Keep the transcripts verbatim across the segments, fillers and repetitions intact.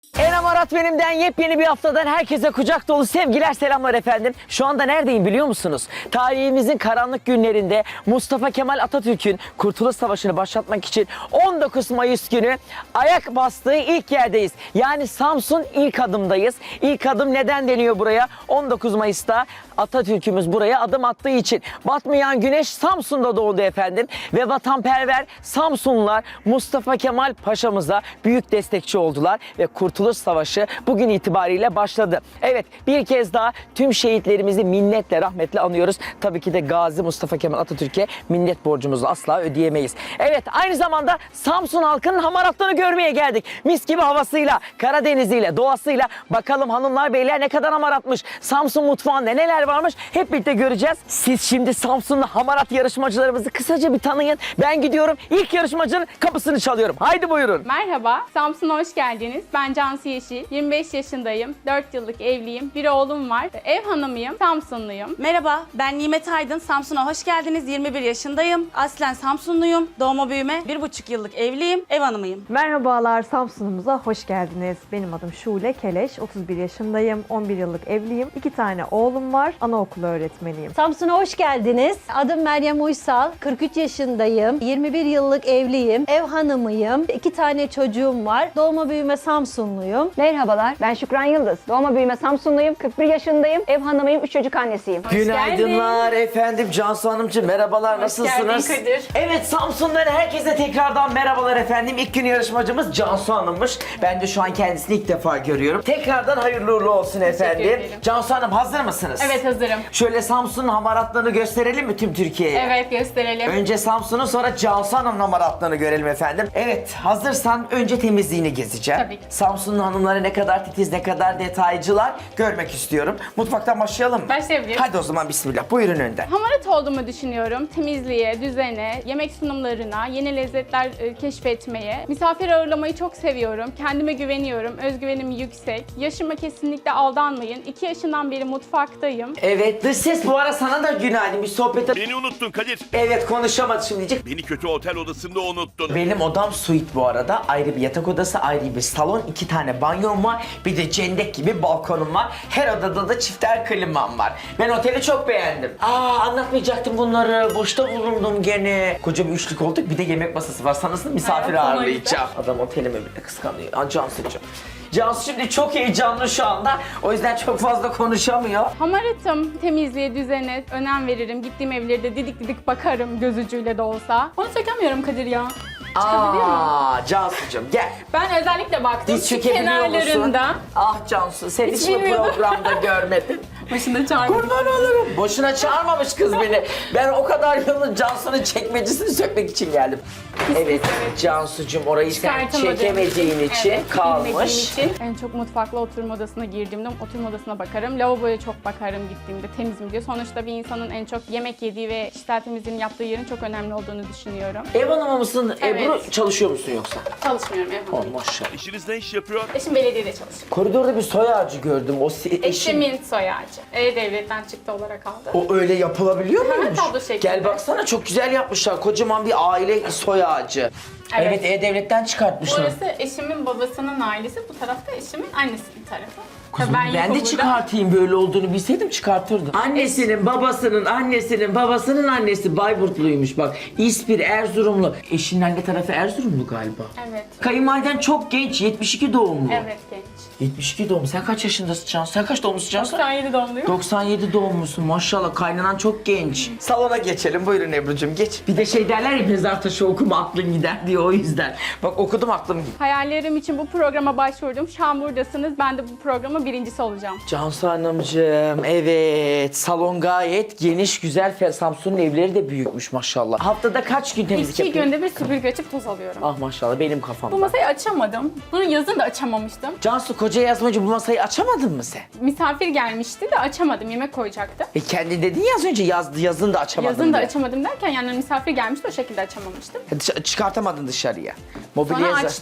Enem Arat benimden yepyeni bir haftadan herkese kucak dolu sevgiler, selamlar efendim. Şu anda neredeyim biliyor musunuz? Tarihimizin karanlık günlerinde Mustafa Kemal Atatürk'ün Kurtuluş Savaşı'nı başlatmak için on dokuz Mayıs günü ayak bastığı ilk yerdeyiz. Yani Samsun ilk adımdayız. İlk adım neden deniyor buraya? on dokuz Mayıs'ta Atatürk'ümüz buraya adım attığı için. Batmayan güneş Samsun'da doğdu efendim. Ve vatanperver Samsunlular Mustafa Kemal Paşa'mıza büyük destekçi oldular ve Kurtuluş Savaşı bugün itibariyle başladı. Evet, bir kez daha tüm şehitlerimizi minnetle, rahmetle anıyoruz. Tabii ki de Gazi Mustafa Kemal Atatürk'e minnet borcumuzu asla ödeyemeyiz. Evet, aynı zamanda Samsun halkının hamaratlarını görmeye geldik. Mis gibi havasıyla, Karadeniz'iyle, doğasıyla. Bakalım hanımlar beyler ne kadar hamaratmış. Samsun mutfağında neler varmış hep birlikte göreceğiz. Siz şimdi Samsunlu hamarat yarışmacılarımızı kısaca bir tanıyın. Ben gidiyorum, ilk yarışmacının kapısını çalıyorum. Haydi buyurun. Merhaba, Samsun'a hoş geldiniz. Ben Cansu Yeşil, yirmi beş yaşındayım, dört yıllık evliyim, bir oğlum var, ev hanımıyım, Samsunluyum. Merhaba, ben Nimet Aydın. Samsun'a hoş geldiniz. yirmi bir yaşındayım. Aslen Samsunluyum. Doğma büyüme bir buçuk yıllık evliyim. Ev hanımıyım. Merhabalar, Samsun'umuza hoş geldiniz. Benim adım Şule Keleş, otuz bir yaşındayım, on bir yıllık evliyim. İki tane oğlum var, anaokulu öğretmeniyim. Samsun'a hoş geldiniz. Adım Meryem Uysal, kırk üç yaşındayım, yirmi bir yıllık evliyim, ev hanımıyım, iki tane çocuğum var, doğma büyüme Samsunluyum. Merhabalar, ben Şükran Yıldız. Doğma büyüme Samsunluyum, kırk bir yaşındayım, ev hanımıyım, üç çocuk annesiyim. Günaydınlar efendim, Cansu Hanımcığım, merhabalar, nasılsınız? geldin Kadir. Evet, Samsun'dan herkese tekrardan merhabalar efendim. İlk gün yarışmacımız Cansu Hanım'mış. Ben de şu an kendisini ilk defa görüyorum. Tekrardan hayırlı uğurlu olsun efendim. ederim. Cansu Hanım, hazır mısınız? Evet, hazırım. Şöyle Samsun'un hamaratlarını gösterelim mi tüm Türkiye'ye? Evet, gösterelim. Önce Samsun'un, sonra Cansu Hanım'ın hamaratlarını görelim efendim. Evet, hazırsan önce temizliğini gezeceğim. Tabii ki. Samsun'un hanımları ne kadar titiz, ne kadar detaycılar görmek istiyorum. Mutfaktan başlayalım mı? Başlayabiliriz. Hadi o zaman bismillah. Buyurun önden. Hamarat olduğumu düşünüyorum. Temizliğe, düzene, yemek sunumlarına, yeni lezzetler e, keşfetmeye, misafir ağırlamayı çok seviyorum. Kendime güveniyorum, özgüvenim yüksek. Yaşıma kesinlikle aldanmayın. iki yaşından beri mutfaktayım. Evet, dış ses bu ara sana da günaydın. Bir sohbete... Beni unuttun Kadir. Evet, konuşamadı şimdi diyecek. Beni kötü otel odasında unuttun. Benim odam suite bu arada. Ayrı bir yatak odası, ayrı bir salon, iki tane banyom var. Bir de cendek gibi balkonum var. Her odada da çifter klimam var. Ben oteli çok beğendim. Aa, anlatmayacaktım bunları. Boşta bulundum gene. Koca bir üçlük olduk. Bir de yemek masası var. Sanırsın misafir Evet, sana ağırlayacağım. Adam otelimi bile kıskanıyor. Aa, Cansu'cum. Cansu şimdi çok heyecanlı şu anda. O yüzden çok fazla konuşamıyor. Hamaratım, temizliğe, düzene önem veririm. Gittiğim evlerde didik didik bakarım göz ucuyla da olsa. Onu sökemiyorum Kadir ya. Çıkabiliyor mu? Aa, Cansu'cum gel. Ben özellikle baktım Diz şu çökebiliyor musun? kenarlarında. Ah Cansu, seni Hiç hiç bu bilmiyordum. programda görmedim. Başında çağırdım. Kurban olurum. Boşuna çağırmamış kız beni. Ben o kadar yılın Cansu'nun çekmecisini sökmek için geldim. Evet, Cansu'cum orayı sen Çıkartamadığım çekemediğin için evet, kalmış. bilmediğim için. En çok mutfakla oturma odasına girdiğimde oturma odasına bakarım. Lavaboya çok bakarım gittiğimde temiz mi diye. Sonuçta bir insanın en çok yemek yediği ve kişisel temizliğini yaptığı yerin çok önemli olduğunu düşünüyorum. Ev hanımı mısın? Evet. Ebru, çalışıyor musun yoksa? Çalışmıyorum ev Oh hanımıyım. maşallah. Eşiniz ne iş yapıyor? Eşim belediyede çalışıyor. Koridorda bir soy ağacı gördüm. O si- eşin... Eşimin soy ağacı. E-Devlet'ten çıktı olarak aldı. O öyle yapılabiliyor Hı hı, muymuş? tablo şeklinde. Gel baksana, çok güzel yapmışlar. Kocaman bir aile soy ağacı. Evet, Evet. E-Devlet'ten çıkartmışlar. Burası eşimin babasının ailesi, bu tarafta eşimin annesinin tarafı. Kızım, Tabii ben, de yokum burada. çıkartayım, böyle olduğunu bilseydim çıkartırdım. Annesinin babasının annesinin babasının annesi Bayburtluymuş bak. İspir, Erzurumlu. Eşinin anne tarafı Erzurumlu galiba. Evet. Kayınvaliden çok genç, yetmiş iki doğumlu. Evet, genç. yetmiş iki doğumlu. Sen kaç yaşındasın Cansu? Sen kaç doğumlusun Cansu? doksan yedi doğumluyum. doksan yedi doğumlusun maşallah. Kaynanan çok genç. Salona geçelim. Buyurun Ebru'cum geç. Bir de şey derler ya, mezar taşı okuma aklın gider diye, o yüzden. Bak okudum, aklım gitti. Hayallerim için bu programa başvurdum. Şu an buradasınız. Ben de bu programın birincisi olacağım. Cansu Hanımcığım, evet, salon gayet geniş, güzel. Samsun'un evleri de büyükmüş maşallah. Haftada kaç gün temizlik İki yapıyorsun? günde bir süpürge açıp toz alıyorum. Ah maşallah, benim Bu kafamda. masayı açamadım. Bunu yazın da açamamıştım. Cansu, koca yazmacı, bu masayı açamadın mı sen? Misafir gelmişti de açamadım. Yemek koyacaktı. E kendi dedin ya az önce, yaz, yazın da açamadın Yazın da diye. açamadım derken yani misafir gelmişti, o şekilde açamamıştım. Dış- çıkartamadın dışarıya. Mobilya Sonra yazı- açtık.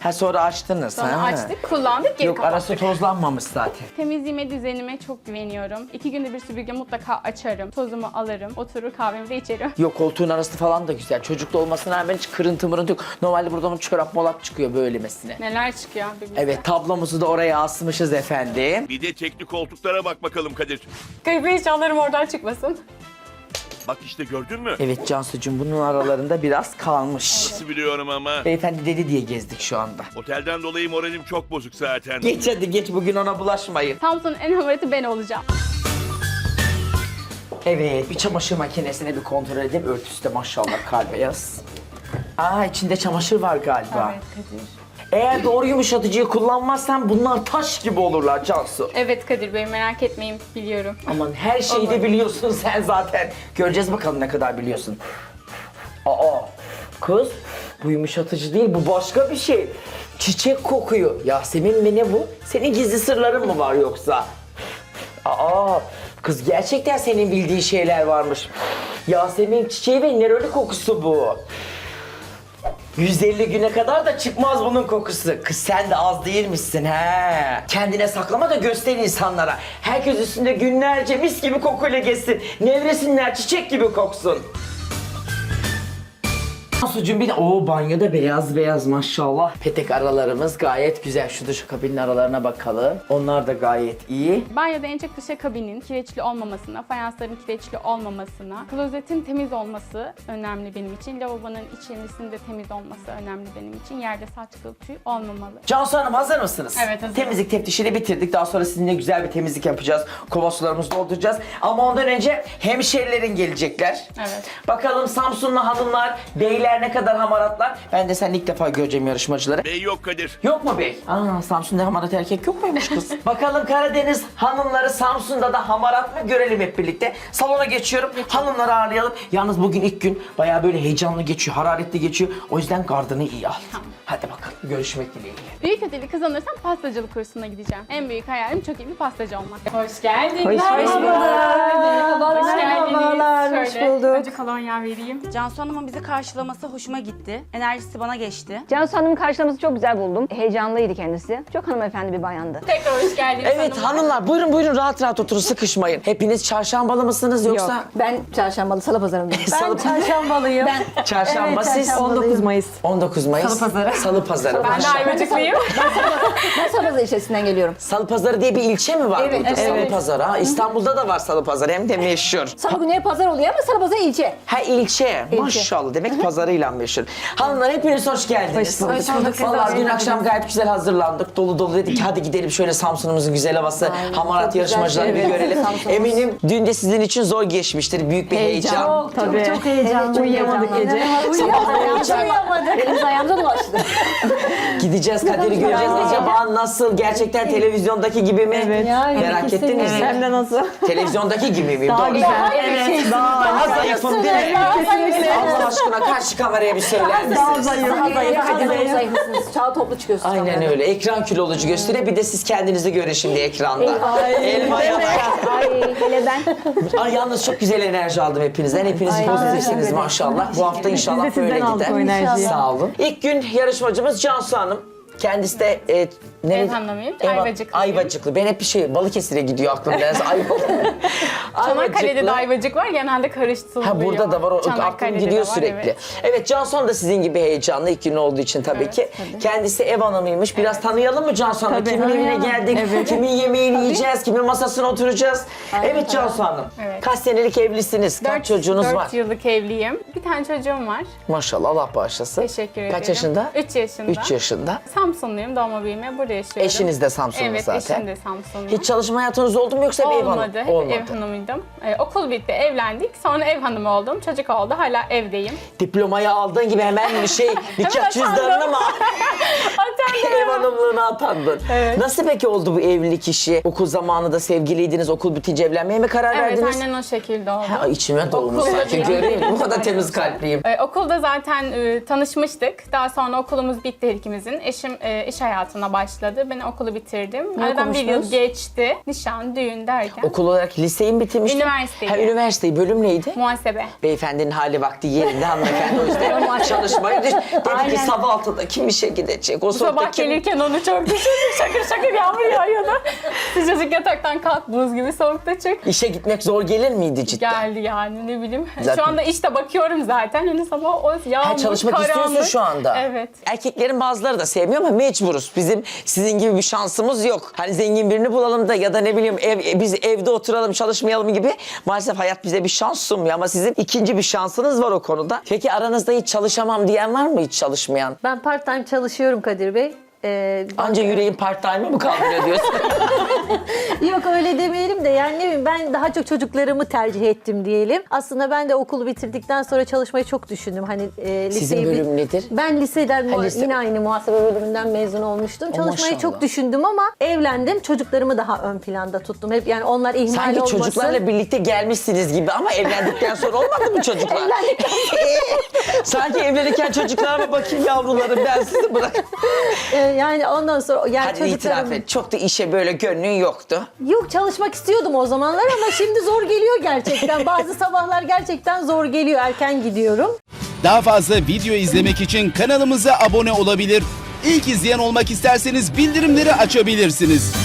Ha sonra açtınız. Sonra ha. açtık, kullandık, geri Yok kapattık. arası tozlanmamış zaten. Temizliğime, düzenime çok güveniyorum. İki günde bir süpürge mutlaka açarım. Tozumu alırım. Oturur kahvemi de içerim. Yok koltuğun arası falan da güzel. Çocuklu olmasına rağmen hiç kırıntı mırıntı yok. Normalde buradan çorap molap çıkıyor böylemesine. Neler çıkıyor birbirine. Evet tablomuzu da oraya asmışız efendim. Bir de tekli koltuklara bak bakalım Kadir. Kayıp eşyalarım oradan çıkmasın. Bak işte gördün mü? Evet Cansucuğum bunun aralarında biraz kalmış. Nasıl biliyorum ama. Beyefendi dedi diye gezdik şu anda. Otelden dolayı moralim çok bozuk zaten. Geç hadi geç bugün ona bulaşmayın. Samsun'un en hamaratı ben olacağım. Evet bir çamaşır makinesine bir kontrol edeyim. Örtüsü de maşallah kalbeyaz. Aa içinde çamaşır var galiba. Kadir. Eğer doğru yumuşatıcıyı kullanmazsan bunlar taş gibi olurlar Cansu. Evet Kadir Bey, merak etmeyin, biliyorum. Aman her şeyi de biliyorsun sen zaten. Göreceğiz bakalım ne kadar biliyorsun. Aa kız bu yumuşatıcı değil bu başka bir şey. Çiçek kokuyor. Yasemin mi ne bu? Senin gizli sırların mı var yoksa? Aa kız gerçekten senin bildiğin şeyler varmış. Yasemin çiçeği ve neroli kokusu bu. yüz elli güne kadar da çıkmaz bunun kokusu. Kız sen de az değilmişsin he. Kendine saklama da göster insanlara. Herkes üstünde günlerce mis gibi kokuyla gezsin. Nevresinler çiçek gibi koksun. Sucuğum bir de o banyoda beyaz beyaz maşallah. Petek aralarımız gayet güzel. Şu duşakabinin aralarına bakalım. Onlar da gayet iyi. Banyoda en çok duşakabinin kireçli olmamasına, fayansların kireçli olmamasına, klozetin temiz olması önemli benim için. Lavabonun içerisinde de temiz olması önemli benim için. Yerde saç kıl tüy olmamalı. Cansu Hanım hazır mısınız? Evet, hazırım. Temizlik teftişini bitirdik. Daha sonra sizinle güzel bir temizlik yapacağız. Kova sularımızı dolduracağız. Ama ondan önce hemşerilerin gelecekler. Evet. Bakalım Samsunlu hanımlar, beyler ne kadar hamaratlar. Ben de seninle ilk defa göreceğim yarışmacıları. Bey yok Kadir. Yok mu bey? Aa Samsun'da hamarat erkek yok muymuş kız? Bakalım Karadeniz hanımları Samsun'da da hamarat mı görelim hep birlikte. Salona geçiyorum. Hanımları ağırlayalım. Yalnız bugün ilk gün bayağı böyle heyecanlı geçiyor, hararetli geçiyor. O yüzden gardını iyi al. Tamam. Hadi bakalım görüşmek dileğiyle. Büyük ödülü kazanırsam pastacılık kursuna gideceğim. En büyük hayalim çok iyi bir pastacı olmak. Hoş geldin. Hoş bulduk. Hoş geldiniz. Merhabalar, hoş Şöyle, bulduk. Önce kolonya vereyim. Cansu Hanım'ın bizi karşılaması hoşuma gitti. Enerjisi bana geçti. Cansu Hanım'ın karşılaması çok güzel buldum. Heyecanlıydı kendisi. Çok hanımefendi bir bayandı. Tekrar hoş geldiniz Evet hanımlar buyurun buyurun rahat rahat oturun sıkışmayın. Hepiniz çarşambalı mısınız yoksa? Yok, ben çarşambalı salı pazarındayım. Salı- çarşambalıyım. Ben Çarşamba Evet, siz çarşamba. on dokuz Mayıs. on dokuz Mayıs. Salı pazarı. Salı pazarı. Ben de maşallah. Ayvacıklıyım. ben salı pazarı ilçesinden geliyorum. Salı pazarı diye bir ilçe mi var Evet, burada? evet. Salı pazarı ha. İstanbul'da da var salı pazarı hem de meşhur. Salı günü pazar oluyor ama salı pazarı ilçe. Ha ilçe. Maşallah demek pazarıyla meşhur. Hanımlar hepiniz hoş geldiniz. Hoş bulduk. Hoş bulduk. Vallahi dün akşam gayet güzel hazırlandık. Dolu dolu dedik hadi gidelim şöyle Samsun'umuzun güzel havası. Aynen, Hamarat çok güzel yarışmacıları bir şey. Evet, görelim. Samsun'umuz. Eminim dün de sizin için zor geçmiştir. Büyük bir heyecan. Çok, Tabii. çok, çok heyecanlı. Uyuyamadık heyecanlı. gece. Sabah Uyuyamadık. uyuyacak. Uyuyamadık. Elimiz ayağımıza dolaştı. Gideceğiz Kadir'i göreceğiz. Acaba nasıl? Gerçekten televizyondaki gibi mi? Evet. Yani Merak ettiniz mi? Hem de nasıl? Televizyondaki gibi miyim? Daha Doğru. güzel. Evet. Daha zayıfım değil mi? Allah aşkına karşı kameraya bir söyler misiniz? Daha zayıf. Daha zayıfsınız. Çağ toplu çıkıyorsunuz. Aynen kamerada. öyle. Ekran kilolucu göstere bir de siz kendinizi görün şimdi ekranda. Elmaya bak. Ay hele ben. Ay yalnız çok güzel enerji aldım hepinizden. Hepiniz pozitifsiniz maşallah. Bu hafta inşallah Biz de böyle sizden aldık o gider. enerjiyi. Sağ olun. İlk gün yarışmacımız Cansu Hanım. Kendisi de e, nereye- Ev hanımıyım, Ev- Ayvacıklıyım. Ayvacıklı. Ben hep bir şey Balıkesir'e gidiyor aklım. Neredeyse Ayvalık. Çanakkale'de de ayvacık var, genelde karıştırılıyor. Ha burada da var o aklım Çanakkale'de de gidiyor var, sürekli. Evet, evet. Cansu Hanım da sizin gibi heyecanlı ilk gün olduğu için tabii Evet, ki. tabii. Kendisi ev hanımıymış. Biraz tanıyalım mı Cansu Hanım? Tabii. Kimin evine Tanıyalım. geldik? Kimin yemeğini yiyeceğiz? Kimin masasına oturacağız? evet Cansu Hanım. Evet. Kaç senelik evlisiniz? Kaç Dört- çocuğunuz dört var? yıllık evliyim. Bir tane çocuğum var. Maşallah Allah bağışlasın. Teşekkür ederim. Kaç yaşında? Üç yaşında. üç yaşında. Samsunluyum, doğma büyüme burada yaşıyorum. Eşiniz de Samsunlu evet, zaten. Evet, eşim de Samsunlu. Hiç çalışma hayatınız oldu mu yoksa bir ev hanım? Olmadı, hep ev hanımıydım. Ee, okul bitti, evlendik. Sonra ev hanımı oldum, çocuk oldu. Hala evdeyim. Diplomayı aldığın gibi hemen bir şey nikah Hemen cüzdanını atandım. mı Atandım. ev hanımlığına atandın. Evet. Nasıl peki oldu bu evlilik işi? Okul zamanında sevgiliydiniz, okul bitince evlenmeye mi karar Evet, verdiniz? aynen o şekilde oldu. Ha, içime dolmuş Okulda sanki. bir- Göreyim mi? Bu kadar temiz kalpliyim. Ee, okulda zaten e, tanışmıştık. Daha sonra okulumuz bitti her ikimizin. Eşim e, iş hayatına başladı. başladı. Ben okulu bitirdim. Aradan bir yıl okumuştunuz? geçti. Nişan, düğün derken. Okul olarak liseyi mi bitirmiştin? Üniversiteyi. Ha, üniversiteyi. Bölüm neydi? Muhasebe. Beyefendinin hali vakti yerinde hanımefendi. O yüzden çalışmayı düş. Dedi ki sabah altıda kim işe gidecek? O Sabah saatte kim... gelirken onu çok düşündüm. Şakır şakır yağmur yağıyordu. Sıcacık yataktan kalk, buz gibi soğukta çık. İşe gitmek zor gelir miydi cidden? Geldi yani ne bileyim. Zaten- Şu anda işte bakıyorum zaten. Hani sabah o yağmur, Ha, çalışmak karanlık. istiyorsun şu anda. Evet. Erkeklerin bazıları da sevmiyor ama mecburuz. Bizim sizin gibi bir şansımız yok. Hani zengin birini bulalım da ya da ne bileyim ev, biz evde oturalım çalışmayalım gibi. Maalesef hayat bize bir şans sunmuyor ama sizin ikinci bir şansınız var o konuda. Peki aranızda hiç çalışamam diyen var mı, hiç çalışmayan? Ben part time çalışıyorum Kadir Bey. Ee, Anca yüreğin part time'ı mı kaldırıyor diyorsun? Yok öyle demeyelim de yani ne bileyim ben daha çok çocuklarımı tercih ettim diyelim. Aslında ben de okulu bitirdikten sonra çalışmayı çok düşündüm. Hani e, Sizin liseyi bit- bölüm nedir? Ben liseden Ha, mu- lise- yine aynı muhasebe bölümünden mezun olmuştum. O Çalışmayı maşallah. çok düşündüm ama evlendim. Çocuklarımı daha ön planda tuttum. Hep yani onlar ihmal Sanki olmasın. çocuklarla birlikte gelmişsiniz gibi ama evlendikten sonra olmadı mı çocuklar? Evlendikten Sanki evlenirken çocuklarıma bakayım yavrularım ben sizi bırak. Ee, yani ondan sonra yani Hadi itiraf çocuklarım... et. Çok da işe böyle gönlün yoktu. Yok çalışmak istiyordum o zamanlar ama şimdi zor geliyor gerçekten. Bazı sabahlar gerçekten zor geliyor. Erken gidiyorum. Daha fazla video izlemek için kanalımıza abone olabilir. İlk izleyen olmak isterseniz bildirimleri açabilirsiniz.